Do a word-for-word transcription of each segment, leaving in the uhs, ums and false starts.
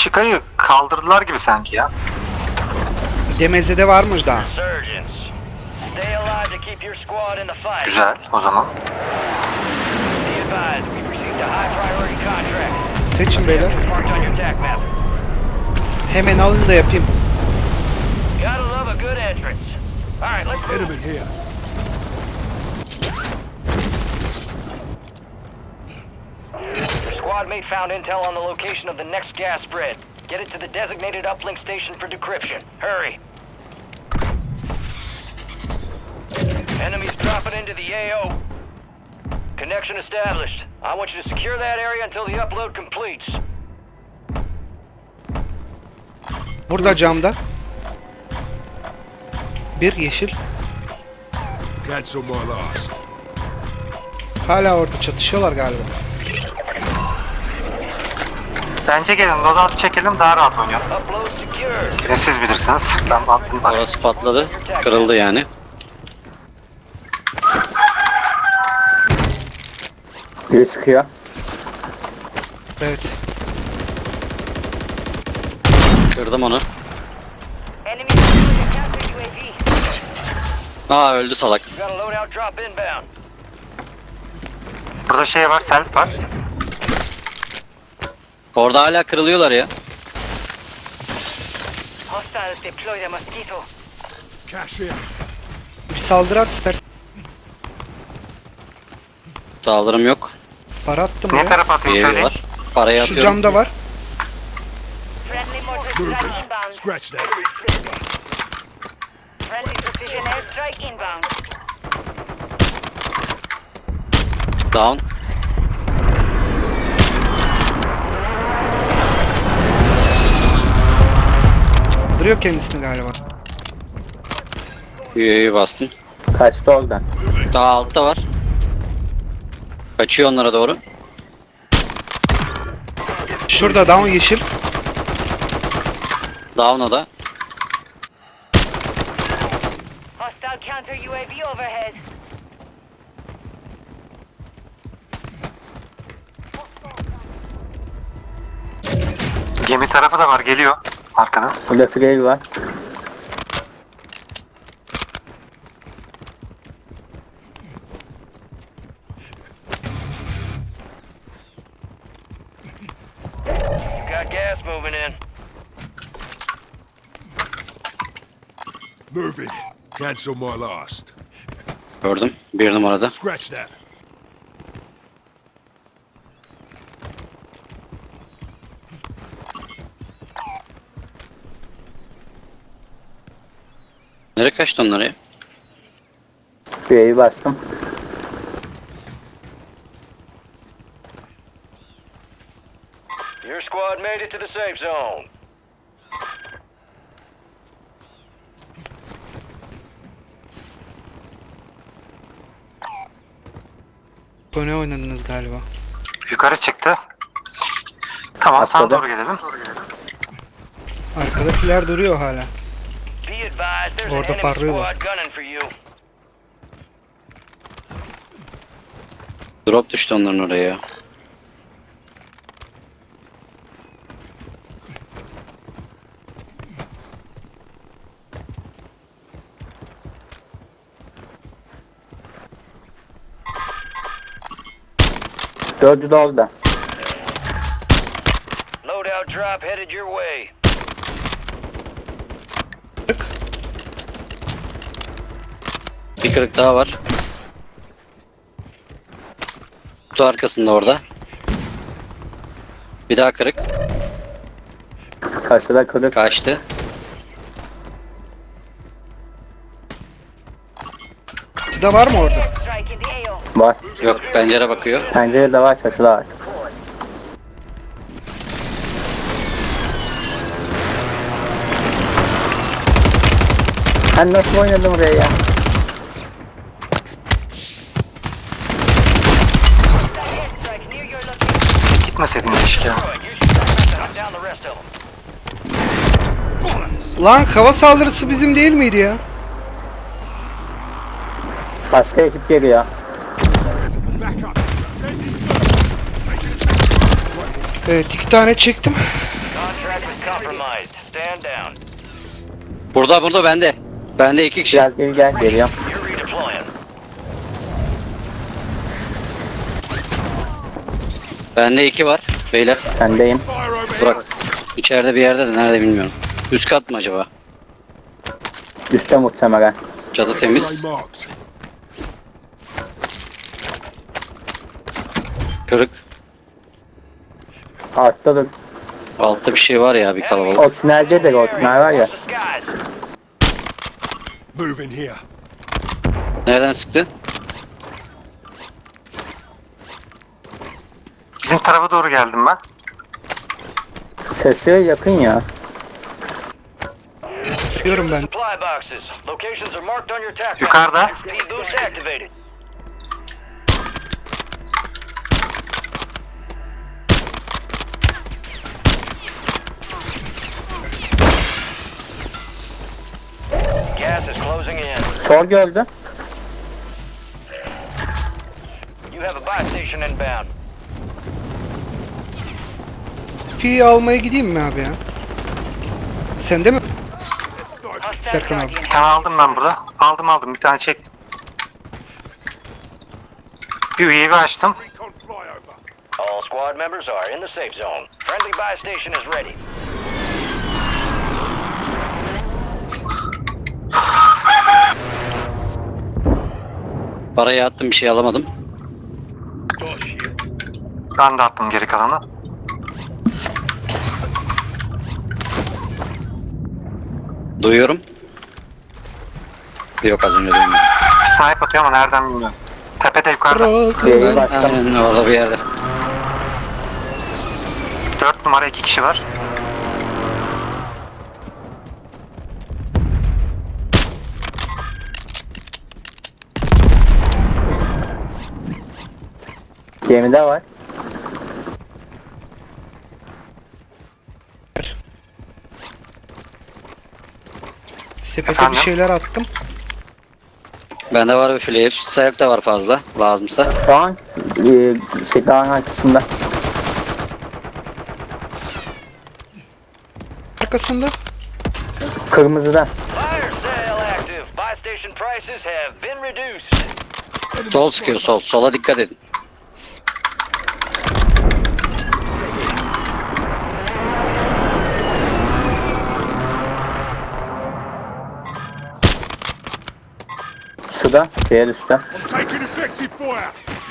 Chico'yu kaldırdılar gibi sanki ya. Demezede varmış daha. Güzel o zaman. Seçin beyler. Hemen alın da yapayım. Enemy here. Squad mate found intel on the location of the next gas spread. Get it to the designated uplink station for decryption. Hurry. Enemies dropping into the A O. Connection established. I want you to secure that area until the upload completes. Burada camda. Bir yeşil. Cancel my last. Hala orada çatışıyorlar galiba. Bence gelin loadout çekelim, daha rahat oynayalım. Upload secured. Yine siz bilirsiniz. Ben attım bak. Orası patladı. Kırıldı yani. Biri sıkıyor. Evet. Kırdım onu. Enemy counter U A V. Aa öldü salak. Got a loadout drop inbound. Burada şey var, self var. Orada hala kırılıyorlar ya. Hostiles deploy the mosquito. Cash in. Bir saldırı at istersen. Saldırım yok. Para attım Ne ya. tarafa Bir atayım evi söyleyin. var. Parayı Şu atıyorum. camda var. Friendly mortar Moving. strike inbound. Scratch that. Friendly precision airstrike inbound. Down. Duruyor kendisini galiba. U A V bastım. Kaçtı oradan. Daha altta var. Kaçıyor onlara doğru. Şurada down yeşil. Down'a da. Hostile counter U A V overhead. Gemi tarafı da var, geliyor arkadan. Burada free var. Got gas moving in. Moving. Cancel my last. Gördüm. Bir numarada. Scratch that. Nereye kaçtı onlar ya? Free bastım. Your squad made it to the safe zone. Kone oynadınız galiba. Yukarı çıktı. Tamam, sana Atladı. doğru gelelim. Arkadakiler duruyor hala. Be advised, there's an Orada enemy parlıyorlar. squad gunning for you. Drop düştü onların oraya. Dördü de orada. Loadout drop headed your way. Bir kırık daha var. Kutu arkasında orada. Bir daha kırık. Karşıda kırık. Kaçtı. Çatıda var mı orada? Strike in the A O. Var. Yok, pencere bakıyor. Pencerede var, çatıda var. Sen nasıl oynadın buraya ya? Airstrike near your location. Gitmeseydin keşke. Good, use your shotgun to hunt down the rest of them. Lan hava saldırısı bizim değil miydi ya? Başka ekip geliyor. Back up. Sending. Evet, iki tane çektim. Contract Gas is compromised. Stand down. Burada burada bende. Bende iki kişi. Biraz geri gel. Geliyorum. You're redeploying. Bende iki var. Beyler Sendeyim. Fire over here. Burak. İçeride bir yerde de nerede bilmiyorum. Üst kat mı acaba? Üstte muhtemelen. Çatı temiz. X-ray marked. Kırık. Altta dur. Altta bir şey var ya, bir kalabalık. O tüneldedir o tünel var ya. Watch the skies. Moving here. Nereden sıktı? Bizim tarafa doğru geldim ben. Sesi yakın ya. Çıkıyorum ben. Supply boxes. Locations are marked on your tac. Yukarıda. Speed boost activated. Gas is closing in. Sol gördü. You have a buy station inbound. Pi'yi almaya gideyim mi abi ya? Sende mi? Serkan abi. Bir tane aldım ben burada. Aldım aldım. Bir tane çektim. Bir U A V açtım. Recon flyover. All squad members are in the safe zone. Friendly buy station is ready. Parayı attım, bir şey alamadım. Ben de attım geri kalanı. Duyuyorum. Yok, az önce duymadım. Bir snipe atıyor ama nereden bilmiyorum. Tepede yukarıda. Burası. Yayı bastım. Aynen orada bir yerde. Dört numara iki kişi var. Gemide var. Sepete Efendim? bir şeyler attım. Bende var bir flare. Self de var fazla. Lazımsa. Şu an e, şey dağın arkasında. Arkasında. Kırmızıda. Fire sale active. Buy station prices have been reduced. Sol sıkıyor, sol. Sola dikkat edin. Suda. Diğer üstte. I'm taking effective fire.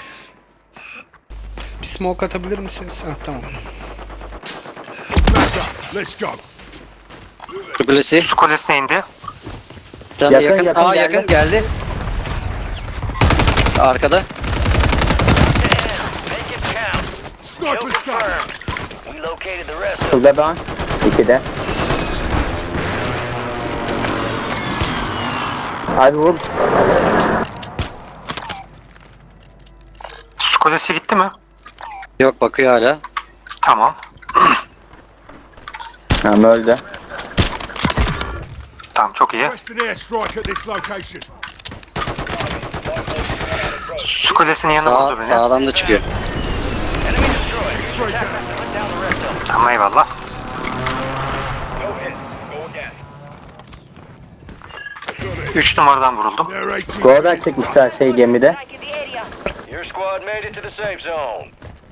Bir smoke atabilir misiniz? Ha tamam. Back up. Let's go. Şu kulesi. Su kulesine indi. Bir tane de Yakın, yakın. yakın Aa geldi. yakın geldi. Arkada. Make it count. Kill Sniper stuff. confirmed. We located the rest of Suda dağın. İkide. Abi vur. Su kulesi gitti mi? Yok, bakıyor hala. Tamam. Tamam öldü. Tamam çok iyi. Western airstrike at this location. Su kulesinin yanına Sağ, vurdu beni. sağdan da çıkıyor. enemy destroyed. X-ray down. Put down the rest of them. Tamam eyvallah. Go ahead. Go again. Üç numaradan vuruldum. They're eighteen. Gordan çekmişler şey gemide. Your squad made it to the safe zone.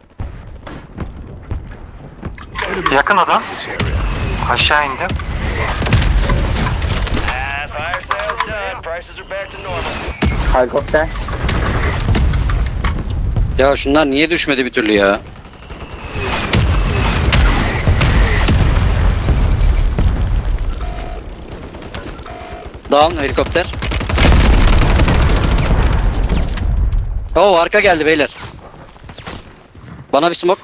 Yakın adam. Aşağı indi. Ah, fire sale's done. Prices are back to normal. Helikopter. Ya şunlar niye düşmedi bir türlü ya? Down helikopter. Oo, arka geldi beyler. Bana bir smoke.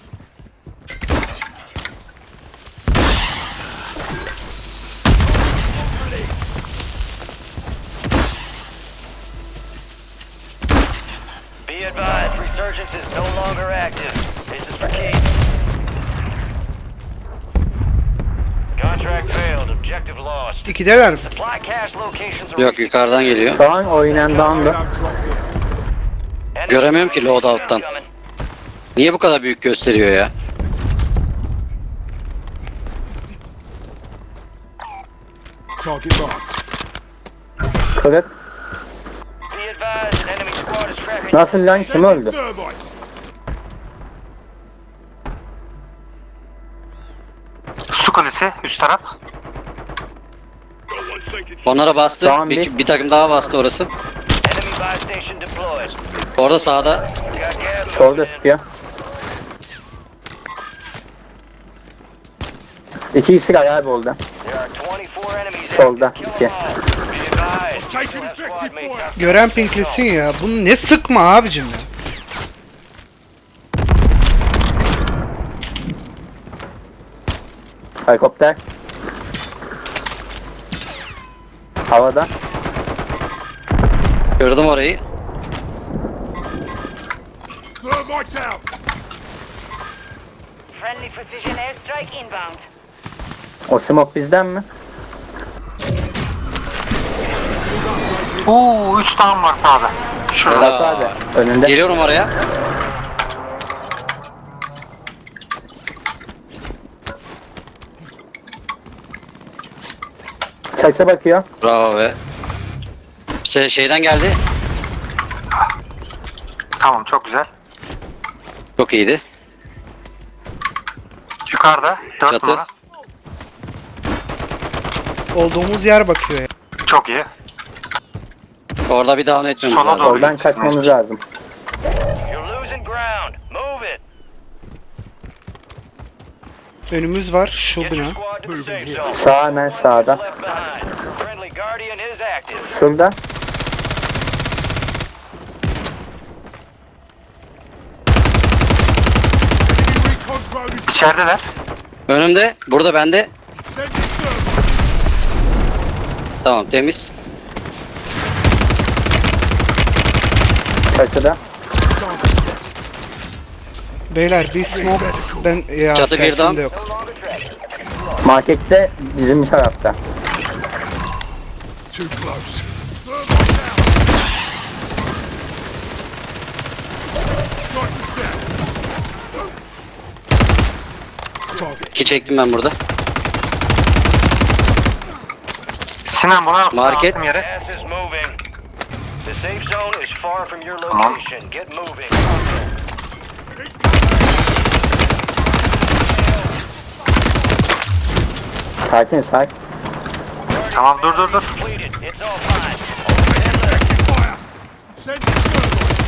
Be advised, resurgence is no longer active. This is for keeps. Contract failed. Objective lost. İkideler mi? Supply cache locations are Yok, yukarıdan geliyor. Şu an oynayan dağındı. Loadout drop here. Enemy Göremiyorum ki loadout loadout'tan. coming. Niye bu kadar büyük gösteriyor ya? Target marked. Kırık. Be advised, an enemy squad is tracking. Nasıl lan, kim Sending öldü? thermite. Su kulesi üst taraf. Onlara bastı. Tamam, bir, bir- bir takım daha bastı orası. Enemy buy station deployed. Orada sağda. Got gas Solda moving in. sıkıyor. İki kişi var abi orada. There are twenty-four enemies Solda, active. Kill iki. them all. Be advised, Taking you'll have squad effective mates fire. out Gören pinklesin ya. Bunu ne sıkma abicim ya. Helikopter. Havada. Gördüm orayı. Thermite out. Friendly precision airstrike inbound. O smoke bizden mi? Oo üç tane var sağda. Şurada. Burası abi. Önünde. Geliyorum oraya. Çaksa bakıyor. Bravo be. Şey, şeyden geldi. Tamam çok güzel. Çok iyiydi. Yukarıda dört Çatı. numara. Olduğumuz yer bakıyor ya. Çok iyi. Orada bir down etmemiz Sola lazım. doğru. Oradan kaçmamız lazım. You're losing ground. Move it. Önümüz var. Şu Get bina. your squad to the safe zone. Sağ hemen sağda. Left behind. Friendly Guardian is active. Şurada. Enemy recon drone is İçerideler. Önümde. Burada bende. sending thermite. Tamam temiz. Çatıda. Target spotted. Beyler bir smoke. Ben ya Çatı bir selfie'm dam. de yok. No longer tracking. Markette bizim tarafta. Too close. Thermite out. Snipers down. Target. İki çektim ben burada. Sinan bunu alsın. Market. attım yere. Gas is moving. The safe zone is far from your Tamam. location. Get moving. Sakin sakin. Tamam dur dur dur. Completed. It's all fine. Overhead left. Fire. Sending thermite.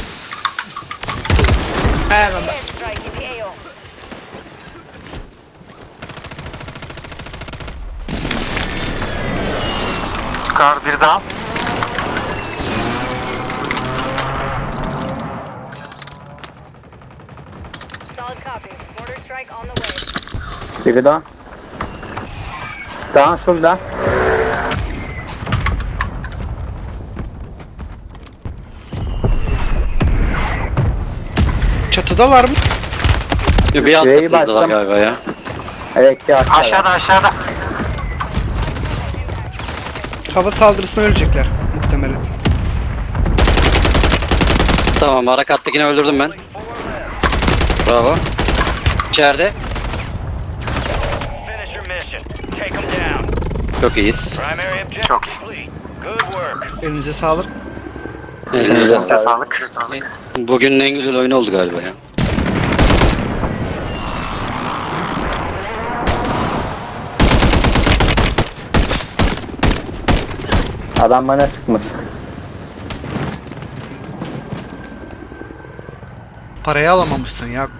Airstrike in the A O. Yukarı bir daha. Solid copy. Mortar strike on the way. Biri daha. Daha şurada. Çatıdalar mı? Bir alt Şurayı katımızda var bastım. galiba ya. Evet ya. Aşağıda aşağıda. Hava saldırısına ölecekler muhtemelen. Tamam harekattakini öldürdüm ben. Bravo. İçeride. Finish your mission. Take them down. Çok iyiyiz. Primary objective Çok iyi. complete. Good work. Elinize sağlık. Elinize Elinize sağlık. Sağlık. Sağlık. Bugünün en güzel oyunu oldu galiba ya. Adam bana sıkmış. Parayı alamamışsın ya.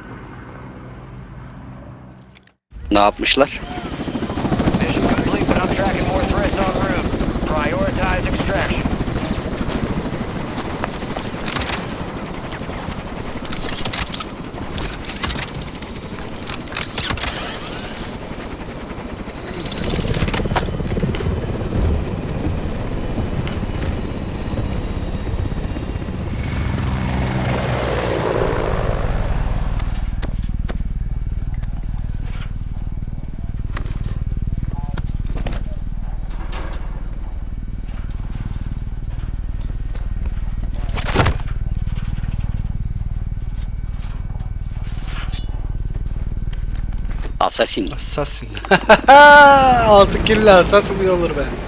Ne yapmışlar? Mission complete, but I'm tracking more threats en route. Prioritize extraction. Assassin. Assassin. Altı kill assassin iyi olur be.